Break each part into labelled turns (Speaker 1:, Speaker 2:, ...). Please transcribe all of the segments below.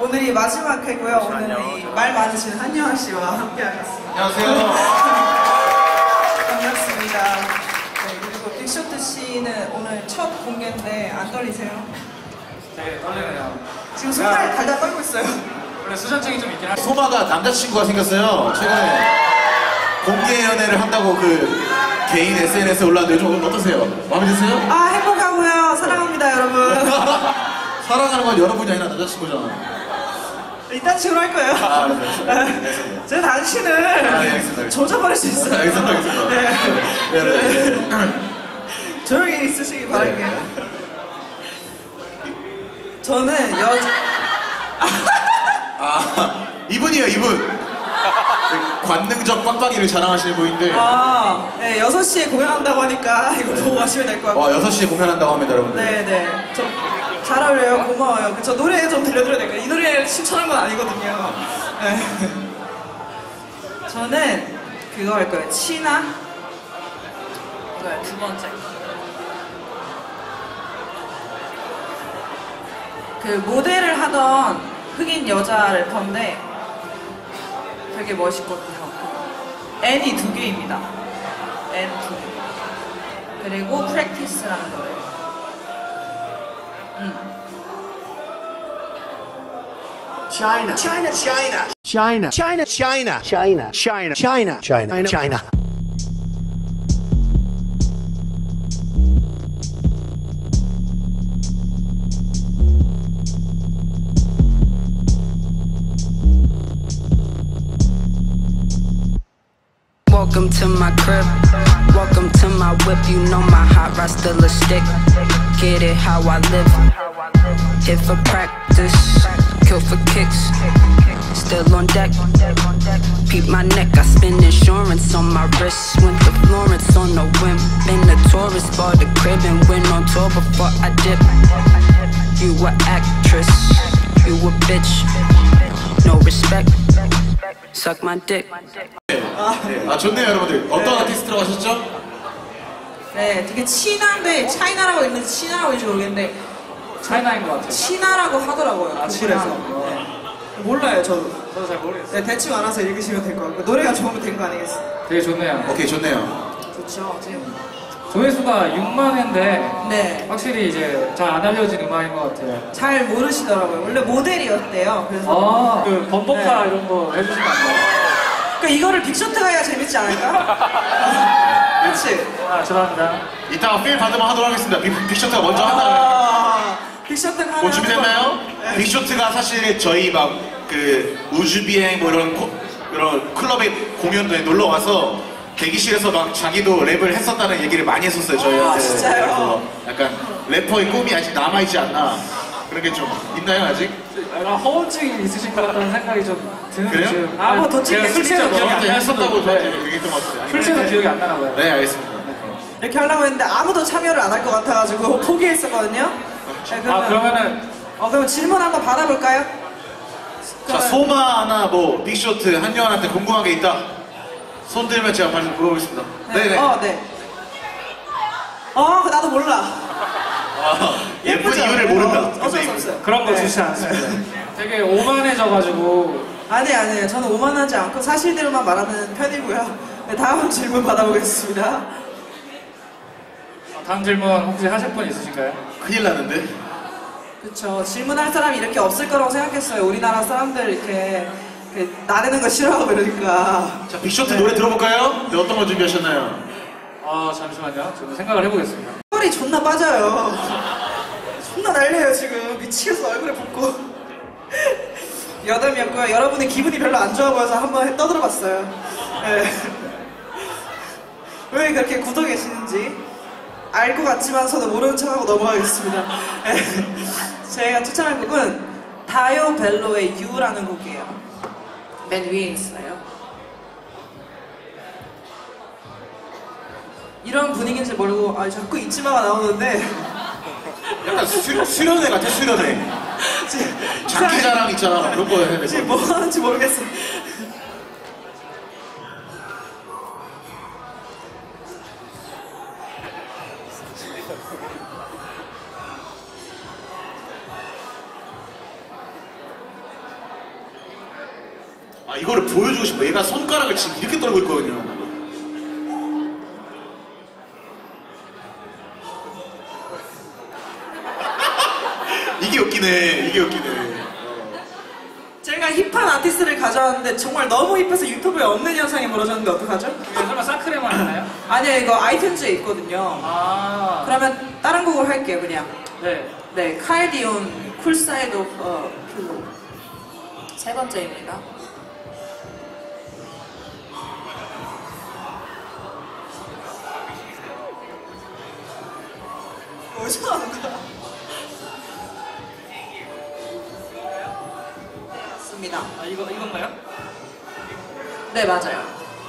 Speaker 1: 오늘이 마지막 회고요. 오늘은 이 말 많으신 한여아 씨와 함께 하겠습니다.
Speaker 2: 안녕하세요.
Speaker 1: 반갑습니다. 네, 그리고 빅쇼트 씨는 오늘 첫 공개인데 안 떨리세요?
Speaker 3: 되게 떨리네요.
Speaker 1: 지금 손발 달달 떨고 있어요.
Speaker 3: 원래 수전증이 좀 있긴 한데.
Speaker 2: 소마가 남자친구가 생겼어요. 최근에 공개 연애를 한다고 그 개인 SNS에 올랐는데 요즘 어떠세요? 마음에 드세요?
Speaker 1: 아, 행복하고요. 사랑합니다, 여러분.
Speaker 2: 사랑하는 건 여러분이 아니라 남자친구잖아.
Speaker 1: 이딴 식으로 할 거예요.
Speaker 2: 아, 네.
Speaker 1: 제 당신을
Speaker 2: 알겠습니다.
Speaker 1: 조져버릴 수 있어요.
Speaker 2: 알겠습니다. 네.
Speaker 1: 조용히 있으시기 바랄게요. 저는
Speaker 2: 이분이에요, 이분. 관능적 빡빡이를 자랑하시는 분인데.
Speaker 1: 네, 6시에 공연한다고 하니까 이거 보고 가시면 될 것 같아요.
Speaker 2: 6시에 공연한다고 합니다, 여러분들.
Speaker 1: 네네. 잘 어울려요. 고마워요. 저 노래 좀 들려드려야 될까요? 이 노래를 신청한 건 아니거든요. 네. 저는 그거 할 거예요. 치나? 이거요, 두 번째. 그 모델을 하던 흑인 여자 래퍼인데 되게 멋있거든요. N이 2개입니다. N 2개. 그리고 프랙티스라는 노래.
Speaker 4: China, China, China, China, China, China, China, China, China, China, China.
Speaker 5: Welcome to my crib, welcome to my whip. You know my hot rod still a stick. Get it how I live. Hit for practice, kill for kicks. Still on deck, peep my neck. I spend insurance on my wrist. Went to Florence on a whim. Been a tourist, bought a crib and went on tour before I dip. You a actress, you a bitch. No respect, suck my dick.
Speaker 2: 좋네요, 여러분들. 어떤 아티스트라고 하셨죠?
Speaker 1: 네, 되게 치나인데 차이나라고 있는지 치나라고 있는지 모르겠는데
Speaker 3: 차이나인 것 같아요.
Speaker 1: 치나라고 하더라고요.
Speaker 3: 치나서.
Speaker 1: 네. 몰라요, 저도
Speaker 3: 잘 모르겠어요.
Speaker 1: 네, 대충 알아서 읽으시면 될 것 같고 노래가 좋으면 된 거 아니겠어요?
Speaker 3: 되게 좋네요.
Speaker 2: 오케이, 좋네요.
Speaker 1: 좋죠, 지금.
Speaker 3: 조회수가 6만 회인데
Speaker 1: 네,
Speaker 3: 확실히 이제 잘 안 알려진 음악인 것 같아요.
Speaker 1: 잘 모르시더라고요. 원래 모델이었대요. 그래서
Speaker 3: 그 범벅카 이런 거 해주시면 안 돼요?
Speaker 1: 그러니까 이거를 빅쇼트가 해야 재밌지 않을까? 그렇지?
Speaker 3: 죄송합니다.
Speaker 2: 이따가 필 받으면 하도록 하겠습니다. 빅쇼트가 먼저 한다면.
Speaker 1: 빅쇼트가 하나
Speaker 2: 준비됐나요?
Speaker 1: 네.
Speaker 2: 빅쇼트가 사실 저희 막 그 우주비행 뭐 이런 클럽에 공연도에 놀러 와서 대기실에서 막 자기도 랩을 했었다는 얘기를 많이 했었어요, 저희한테.
Speaker 1: 진짜요?
Speaker 2: 그래서 약간 래퍼의 꿈이 아직 남아있지 않나 그런 게 좀 있나요, 아직?
Speaker 3: 약간 허언증이 있으신 것 같다는 생각이 좀 드는데
Speaker 2: 그래요?
Speaker 3: 지금.
Speaker 1: 뭐 더
Speaker 3: 제가
Speaker 1: 찍겠-
Speaker 3: 술 취해서 기억이 안
Speaker 2: 저한테
Speaker 3: 나서
Speaker 2: 했었다고 저한테 얘기했던 것 같아요.
Speaker 3: 술 취해서 기억이 안 나나 봐요.
Speaker 2: 네, 알겠습니다.
Speaker 1: 이렇게 하려고 했는데 아무도 참여를 안 할 것 같아가지고 포기했었거든요. 네,
Speaker 3: 그러면은
Speaker 1: 그럼 질문 한번 받아볼까요?
Speaker 2: 자, 소마나 뭐 빅쇼트 한여한한테 궁금한 게 있다. 손 들면 제가 바로 물어보겠습니다. 네네.
Speaker 1: 네. 나도 몰라.
Speaker 2: 예쁜
Speaker 1: 예쁘죠?
Speaker 2: 이유를 모른다.
Speaker 1: 어쩔 수 없어요.
Speaker 3: 그런 거
Speaker 1: 네.
Speaker 3: 주시지 않습니다. 되게 오만해져가지고
Speaker 1: 아니에요. 저는 오만하지 않고 사실대로만 말하는 편이고요. 네, 다음 질문 받아보겠습니다.
Speaker 3: 다음 질문 혹시 하실 분 있으신가요?
Speaker 2: 큰일 나는데.
Speaker 1: 그쵸. 질문할 사람이 이렇게 없을 거라고 생각했어요. 우리나라 사람들 이렇게 나대는 거 싫어하고 이러니까.
Speaker 2: 자, 빅쇼트 노래 들어볼까요? 네, 어떤 거 준비하셨나요?
Speaker 3: 잠시만요. 저도 생각을 해보겠습니다.
Speaker 1: 털이 존나 빠져요. 존나 날려요 지금. 미치겠어. 얼굴에 붓고. 여담이었고요. 여러분의 기분이 별로 안 좋아 보여서 한번 떠들어봤어요. 네. 왜 그렇게 굳어 계시는지 알 것 같지만서도 모르는 척하고 넘어가겠습니다. 네. 제가 추천할 곡은 다요 벨로의 유라는 곡이에요. 맨 위에 있어요. 이런 분위기인지 모르고 자꾸 잊지마가 나오는데
Speaker 2: 약간 수련회 같아, 수련회. 장기자랑 있잖아. 그런 거 해야 돼.
Speaker 1: 지금 뭐 하는지 모르겠어요.
Speaker 2: 아 이거를 보여주고 싶어. 얘가 손가락을 지금 이렇게 떨고 있거든요. 이게 웃기네. 이게 웃기네.
Speaker 1: 제가 힙한 아티스트를 가져왔는데 정말 너무 힙해서 유튜브에 없는 현상이 벌어졌는데 어떡하죠?
Speaker 3: 이게 설마 사크레만 하나요?
Speaker 1: 아니요, 이거 아이튠즈에 있거든요.
Speaker 3: 아.
Speaker 1: 그러면 다른 곡을 할게요, 그냥.
Speaker 3: 네.
Speaker 1: 네, 칼디온 쿨사이드 오브 필로. 세 번째입니다. 뭐죠? 맞습니다.
Speaker 3: 아 이건가요?
Speaker 1: 네, 맞아요.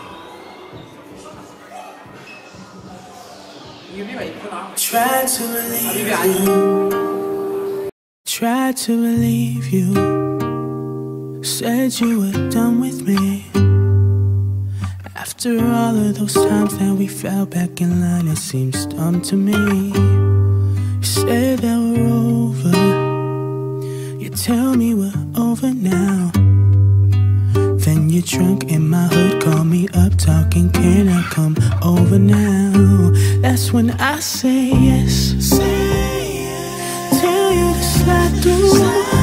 Speaker 1: 뮤비가 이쁘나?
Speaker 6: Tried to believe
Speaker 1: 뮤비 아니고.
Speaker 6: Tried to believe you. Said you were done with me. After all of those times that we fell back in line, it seems dumb to me. You said that we're over. You tell me we're over now. Then you're drunk in my hood, call me up talking, can I come over now? That's when I say yes. Tell you to slide through.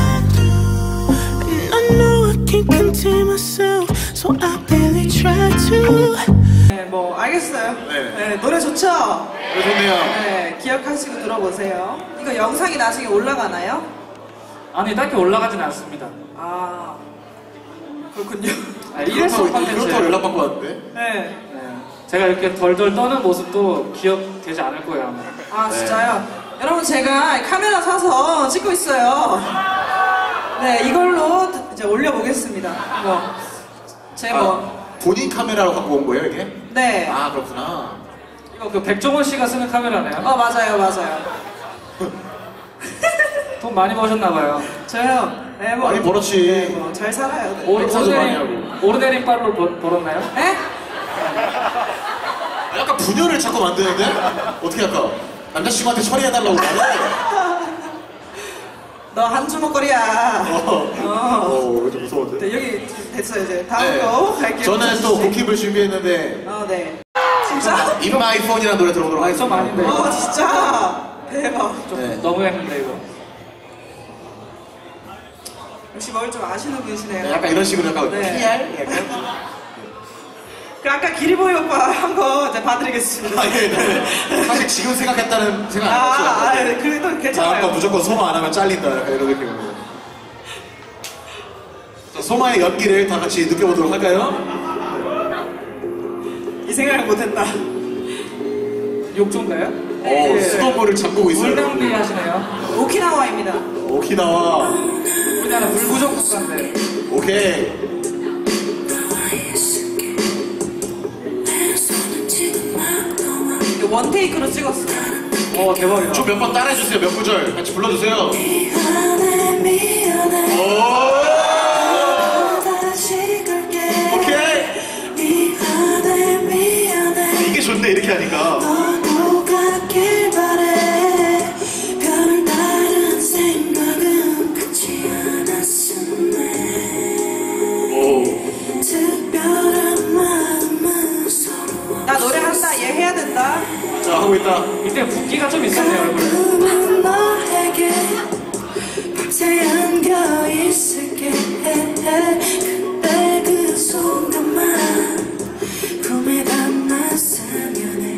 Speaker 6: And I know I can't contain myself, so I barely try to.
Speaker 1: 네, 뭐 알겠어요.
Speaker 2: 네.
Speaker 1: 네, 노래 좋죠?
Speaker 2: 네, 좋네요.
Speaker 1: 네, 기억하시고 들어보세요. 이거 영상이 나중에 올라가나요?
Speaker 3: 아니 딱히 올라가진 않습니다.
Speaker 1: 아, 그렇군요.
Speaker 3: 아, 일회성
Speaker 2: 그렇다고
Speaker 3: 컨텐츠예요.
Speaker 2: 연락받고 왔는데.
Speaker 1: 네.
Speaker 3: 네. 제가 이렇게 덜덜 떠는 모습도 기억되지 않을 거예요 아마.
Speaker 1: 아, 진짜요? 여러분, 제가 카메라 사서 찍고 있어요. 네, 이걸로 이제 올려보겠습니다. 뭐, 제 뭐,
Speaker 2: 본인 카메라로 갖고 온 거예요 이게?
Speaker 1: 네.
Speaker 2: 아 그렇구나.
Speaker 3: 이거 그 백종원 씨가 쓰는 카메라네요.
Speaker 1: 맞아요, 맞아요.
Speaker 3: 돈 많이 버셨나 봐요.
Speaker 1: 저요, 네, 뭐.
Speaker 2: 많이 벌었지.
Speaker 1: 네, 뭐, 잘 살아요. 네.
Speaker 2: 백사도 많이 하고.
Speaker 3: 오르내린 빨로 벌었나요?
Speaker 1: 네?
Speaker 2: 약간 분열을 자꾸 만드는데? 어떻게 할까? 남자친구한테 처리해달라고 말해.
Speaker 1: 너 한 주먹거리야.
Speaker 2: 좀 무서운데?
Speaker 1: 네, 여기 됐어요, 이제. 다음
Speaker 2: 네.
Speaker 1: 거 갈게요.
Speaker 2: 저는 또 곡힙을 준비했는데
Speaker 1: 네. 진짜?
Speaker 2: In My Phone이라는 노래 들어보도록 하겠습니다.
Speaker 3: 좀 아닌데 이거.
Speaker 1: 진짜? 대박.
Speaker 3: 좀
Speaker 2: 네.
Speaker 3: 너무했는데 이거.
Speaker 1: 역시 뭘 좀 아시는 분이시네요.
Speaker 2: 네, 약간 이런 식으로 약간
Speaker 1: 네.
Speaker 2: PR? 약간?
Speaker 1: 그 아까 기리보이 오빠 한 거 이제 봐드리겠습니다.
Speaker 2: 아, 예, 네. 사실 지금 생각했다는 생각 안 했죠.
Speaker 1: 그래도
Speaker 2: 다음 거
Speaker 1: 괜찮아요.
Speaker 2: 무조건 소마 안 하면 잘린다. 약간 이런 느낌으로. 자, 소마의 연기를 다 같이 느껴보도록 할까요?
Speaker 1: 이 생각을 못했다.
Speaker 3: 욕조인가요?
Speaker 2: 오, 수돗물을 잠그고 있어요.
Speaker 3: 물낭비 하시네요.
Speaker 1: 오키나와입니다.
Speaker 2: 오키나와.
Speaker 3: 우리나라 물 부족 국가인데.
Speaker 2: 오케이.
Speaker 1: 이거 원테이크로 찍었어요.
Speaker 3: 대박이다.
Speaker 2: 좀 몇 번 따라해주세요. 몇 구절 같이 불러주세요. 오! 오케이. 이게 좋네 이렇게 하니까.
Speaker 1: 나 노래한다, 얘 해야 된다.
Speaker 2: 자 하고 있다.
Speaker 3: 이때 붓기가 좀 있었네요 얼굴에.
Speaker 6: 그때 그 순간만 꿈에 담았으면 해.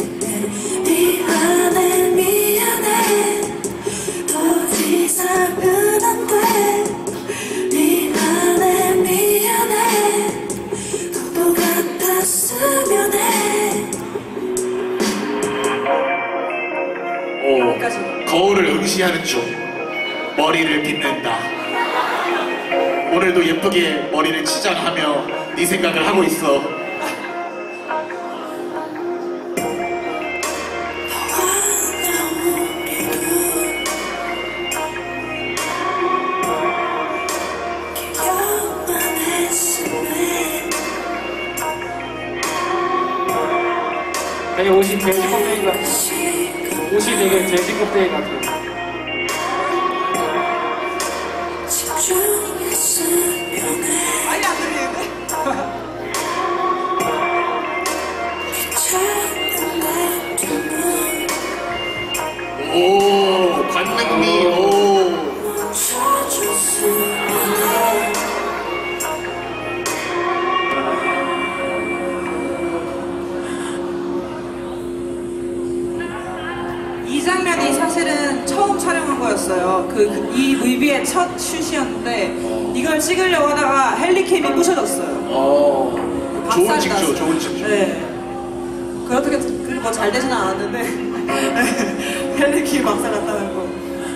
Speaker 6: 미안해 더 이상은 안돼. 미안해 또 같았으면 해.
Speaker 2: 오, 거울을 응시하는 중 머리를 빗는다. 오늘도 예쁘게 머리를 치장하며 네 생각을 하고 있어.
Speaker 3: 되게 옷이 돼지 껍데기 같아. 옷이 되게 돼지 껍데기 같아요.
Speaker 1: 아니, 안 들려요. 이 뮤비의 첫 슛이었는데 이걸 찍으려고 하다가 헬리캠이 부셔졌어요.
Speaker 2: 좋은 징조, 좋은 징조.
Speaker 1: 네. 그렇게 뭐 잘 되지는 않았는데 헬리캠이 박살 났다는 거.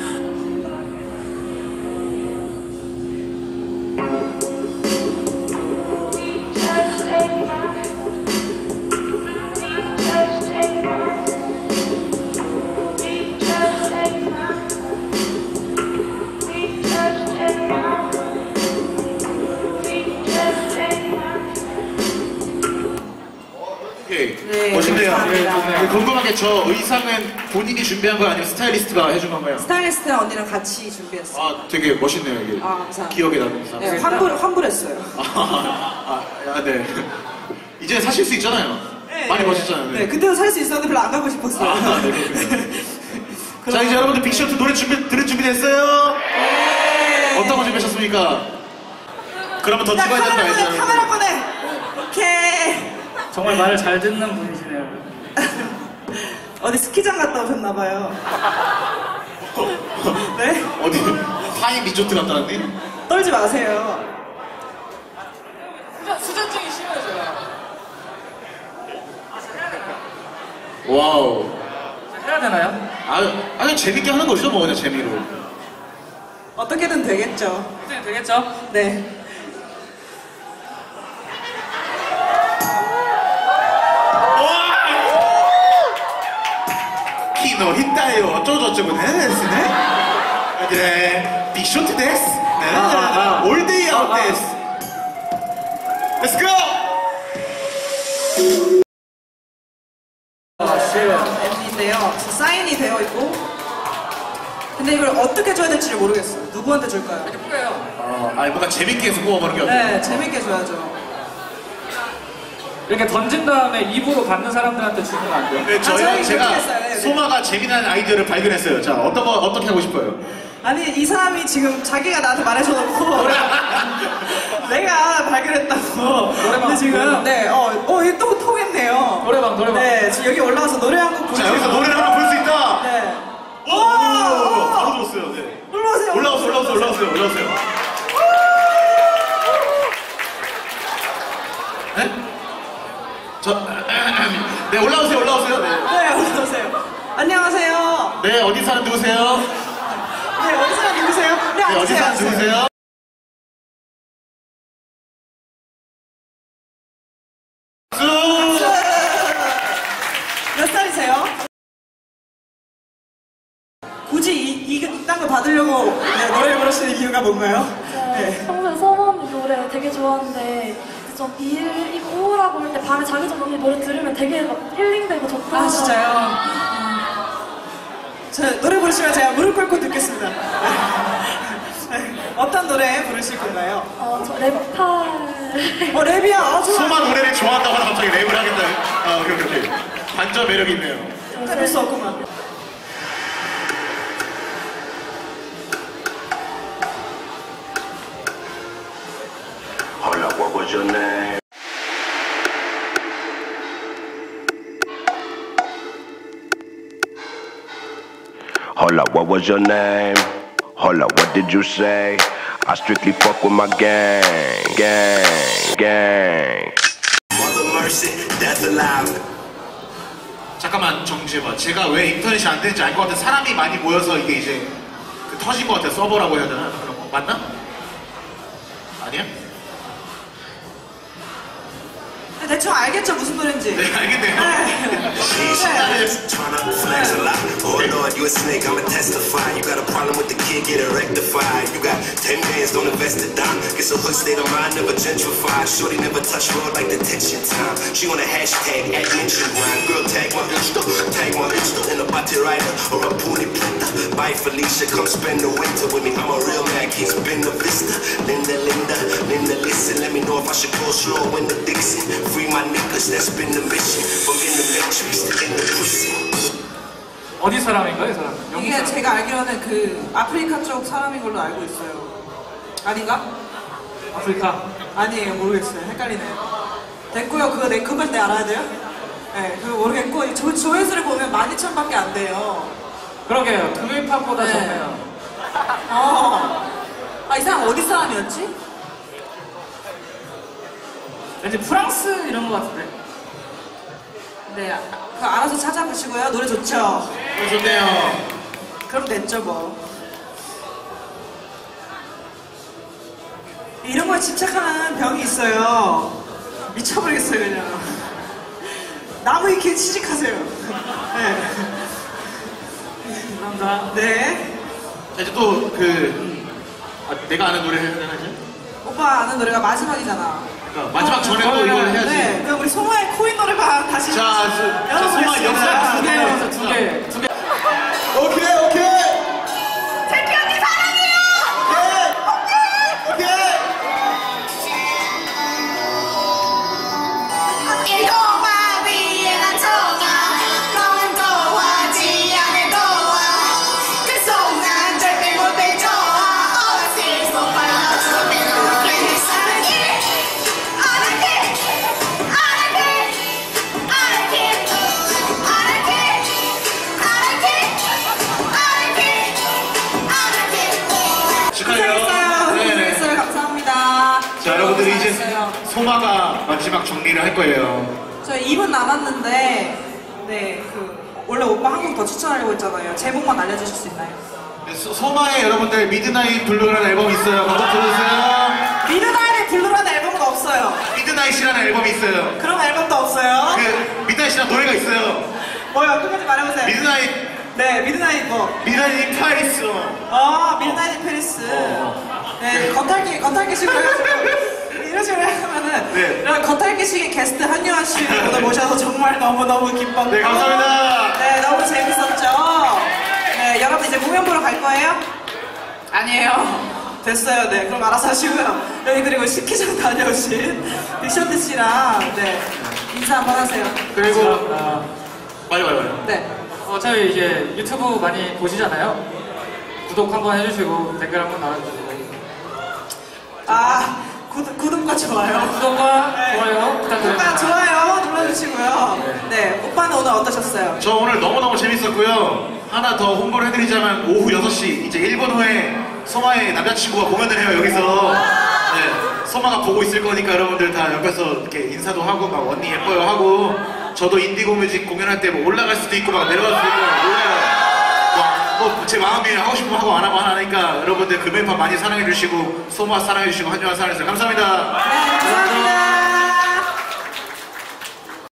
Speaker 1: 네,
Speaker 2: 멋있네요.
Speaker 1: 감사합니다.
Speaker 2: 궁금한 게 저 의상은 본인이 준비한 거 아니면 스타일리스트가 해준 건가요?
Speaker 1: 스타일리스트랑 언니랑 같이 준비했어요.
Speaker 2: 아, 되게 멋있네요, 이게.
Speaker 1: 아, 감사합니다.
Speaker 2: 기억에 남는 의상.
Speaker 1: 네, 환불했어요.
Speaker 2: 네. 이제 사실 수 있잖아요.
Speaker 1: 네,
Speaker 2: 많이
Speaker 1: 네.
Speaker 2: 멋있잖아요.
Speaker 1: 네, 그때도 살 수 있었는데 별로 안 가고 싶었어요.
Speaker 2: 네, 자, 이제 여러분들 빅쇼트 노래 들을 준비됐어요?
Speaker 1: 네.
Speaker 2: 어떤 거 준비하셨습니까? 그러면 더
Speaker 1: 자,
Speaker 2: 찍어야 되는 거
Speaker 1: 카메라 꺼내,
Speaker 2: 알죠?
Speaker 1: 카메라 꺼내. 오케이.
Speaker 3: 정말 말을 잘 듣는 분이시네요.
Speaker 1: 어디 스키장 갔다 오셨나봐요. 네?
Speaker 2: 어디? 타임 리조트 갔다는데?
Speaker 1: 떨지 마세요.
Speaker 3: 수전증이 심해져요.
Speaker 2: 와우.
Speaker 3: 해야 되나요?
Speaker 2: 아니 재밌게 하는 거죠, 뭐 그냥 재미로.
Speaker 1: 어떻게든 되겠죠.
Speaker 3: 어떻게 되겠죠?
Speaker 1: 네.
Speaker 2: 키노 히타요 어쩌고저쩌고 데스네. 그래 빅쇼트 데스. 올데이 아웃 데스. Let's go.
Speaker 1: MD인데요. 사인이 되어 있고. 근데 이걸 어떻게 줘야 될지 모르겠어요. 누구한테 줄까요?
Speaker 2: 아니 뭔가 재밌게 해서 뽑아보는 게 어때요?
Speaker 1: 네, 재밌게 줘야죠.
Speaker 3: 이렇게 던진 다음에 입으로 받는 사람들한테 주면 안 돼요?
Speaker 2: 네,
Speaker 1: 저희
Speaker 2: 제가
Speaker 1: 그렇게 했어요. 네, 네.
Speaker 2: 소마가 재미난 아이디어를 발견했어요. 자, 어떻게 하고 싶어요?
Speaker 1: 아니, 이 사람이 지금 자기가 나한테 말해줘놓고 내가 발견했다고. 근데 지금, 네, 이거 또 통했네요.
Speaker 3: 노래방.
Speaker 1: 네, 지금 여기 올라와서 노래 한 곡
Speaker 2: 자, 여기서 노래를 하나 볼 수 있다.
Speaker 1: 네.
Speaker 2: 바로 들었어요. 네. 올라오세요. 네? 네, 올라오세요. 네.
Speaker 1: 네, 올라오세요. 안녕하세요.
Speaker 2: 네, 어디 사는 누구세요?
Speaker 1: 네, 어디 사람 누구세요? 네,
Speaker 2: 네, 어디 사는
Speaker 1: 앉으세요.
Speaker 2: 누구세요?
Speaker 1: 몇 살이세요? 굳이 이딴 거 받으려고 노래 부르시는 이유가 뭔가요? 네.
Speaker 7: 평소에 서머 언니 노래 되게 좋아하는데 좀 입고 우울하고 할 때 밤에 자기 전에 언니 노래 들으면 되게 막 힐링되고 좋더라고요.
Speaker 1: 아, 진짜요? 저 노래 부르시면 제가 무릎 꿇고 듣겠습니다. 어떤 노래 부르실 건가요?
Speaker 7: 저 랩팔.
Speaker 1: 랩이야. 좋아.
Speaker 2: 소마 노래를 좋아한다고 하다 갑자기 랩을 하겠다. 오케이. 반전 매력이 있네요.
Speaker 1: 해볼 수 없구만.
Speaker 4: Hold up, what was your name? Hold up, what was your name? Hold up, what did you say? I strictly fuck with my gang. Mother mercy, death alive.
Speaker 2: 잠깐만 정지해봐. 제가 왜 인터넷이 안 되는지 알 것 같아. 사람이 많이 모여서 이게 이제 터진 것 같아. 서버라고 해야 되나? 그런 거 맞나? 아니야?
Speaker 1: 대충 알겠죠 무슨 노래인지.
Speaker 2: 네, 알겠네요.
Speaker 4: Turn up, flags a lot. Oh Lord, you a snake, I'ma testify. You got a problem with the kid, get it rectified. You got 10 bands, don't invest it down. Get a hood state of mind, never gentrified. Shorty never touch road like detention time. She on a hashtag, at mention grind. Girl, tag my insta, in a bate rider or a pony planta. Bye Felicia, come spend the winter with me. I'm a real man, King's been the vista. Linda, listen, let me know if I should go slow in the Dixon. Free my niggas, that's been the mission. From in the matrix to in the prison.
Speaker 3: 어디 사람인가요, 이 사람? 영국
Speaker 1: 이게
Speaker 3: 사람?
Speaker 1: 제가 알기로는 그 아프리카 쪽 사람인 걸로 알고 있어요. 아닌가?
Speaker 3: 아프리카.
Speaker 1: 아니에요, 모르겠어요. 헷갈리네요. 됐고요. 그걸 알아야 돼요? 네, 그거 모르겠고 조회수를 보면 12,000밖에 안 돼요.
Speaker 3: 그러게요. 그 힙합보다
Speaker 1: 네.
Speaker 3: 적네요.
Speaker 1: 이 사람 어디 사람이었지?
Speaker 3: 왠지 프랑스 이런 거 같은데?
Speaker 1: 네, 그거 알아서 찾아보시고요. 노래 좋죠?
Speaker 2: 좋네요.
Speaker 1: 그럼 됐죠 뭐. 이런 거에 집착하는 병이 있어요. 미쳐버리겠어요 그냥. 나무 위키에 취직하세요. 네.
Speaker 3: 감사합니다.
Speaker 2: 자,
Speaker 1: 네.
Speaker 2: 이제 또 내가 아는 노래 해야 되나 이제?
Speaker 1: 오빠 아는 노래가 마지막이잖아.
Speaker 2: 그러니까 마지막 전에도 이걸 해야지.
Speaker 1: 네. 그럼 우리 송화의 코인 노래방 다시.
Speaker 2: 자, 소마 영상
Speaker 3: 두 개.
Speaker 2: 오케이.
Speaker 1: 태키 언니 사랑해요.
Speaker 2: 오케이.
Speaker 8: 이동화 위에 난 통화 너는 도와지 않을 도와 그 순간 절대 못해 좋아 어렸을 소파에서 내가 그냥 사랑해
Speaker 2: 축하해요.
Speaker 1: 고생했어요. 감사합니다.
Speaker 2: 자, 여러분들이 이제
Speaker 1: 고생했어요.
Speaker 2: 소마가 마지막 정리를 할 거예요.
Speaker 1: 저희 2분 남았는데, 네, 원래 오빠 한 곡 더 추천하려고 했잖아요. 제목만 알려주실 수 있나요?
Speaker 2: 네, 소마의 여러분들 미드나잇 블루라는 앨범이 있어요. 한번 들어주세요.
Speaker 1: 미드나잇의 블루라는 앨범은 없어요.
Speaker 2: 미드나잇이라는 앨범이 있어요.
Speaker 1: 그런 앨범도 없어요.
Speaker 2: 미드나잇이라는 노래가 있어요.
Speaker 1: 뭐요? 끝까지 말해보세요.
Speaker 2: 미드나잇
Speaker 1: 미드나잇 뭐?
Speaker 2: 미드나잇 파리스.
Speaker 1: 미드나잇 인 페리스. 네, 겉핥기식으로 해가지고 이런 식으로 하면은
Speaker 2: 네.
Speaker 1: 이런 겉핥기식의 게스트 한유한 씨 오늘 모셔서 정말 너무너무 기뻤고
Speaker 2: 네, 감사합니다.
Speaker 1: 네, 너무 재밌었죠. 네, 여러분 이제 공연 보러 갈 거예요? 아니에요. 됐어요. 네, 그럼 알아서 하시고요. 여기 그리고 스키장 다녀오신 빅션트 씨랑 네, 인사 한번 하세요.
Speaker 2: 그리고
Speaker 3: 감사합니다.
Speaker 2: 빨리.
Speaker 1: 네.
Speaker 3: 어차피 이제 유튜브 많이 보시잖아요. 구독 한번 해주시고 댓글 한번 달아주시고
Speaker 1: 구독과 좋아요.
Speaker 3: 구독과
Speaker 1: 네.
Speaker 3: 좋아요 부탁드립니다.
Speaker 1: 오빠 좋아요 눌러주시고요. 네, 오빠는 오늘 어떠셨어요?
Speaker 2: 저 오늘 너무너무 재밌었고요. 하나 더 홍보를 해드리자면 오후 6시 이제 1분 후에 소마의 남자친구가 공연을 해요. 여기서 네, 소마가 보고 있을 거니까 여러분들 다 옆에서 이렇게 인사도 하고 막 언니 예뻐요 하고 저도 인디고 뮤직 공연할 때 뭐 올라갈 수도 있고 막 내려갈 수도 있고 몰라요. 제 마음이 하고 싶으면 하고 안 하고 하니까 여러분들 금연판 많이 사랑해주시고 소마 사랑해주시고 한주한 사랑해주세요. 감사합니다.
Speaker 1: 네, 감사합니다.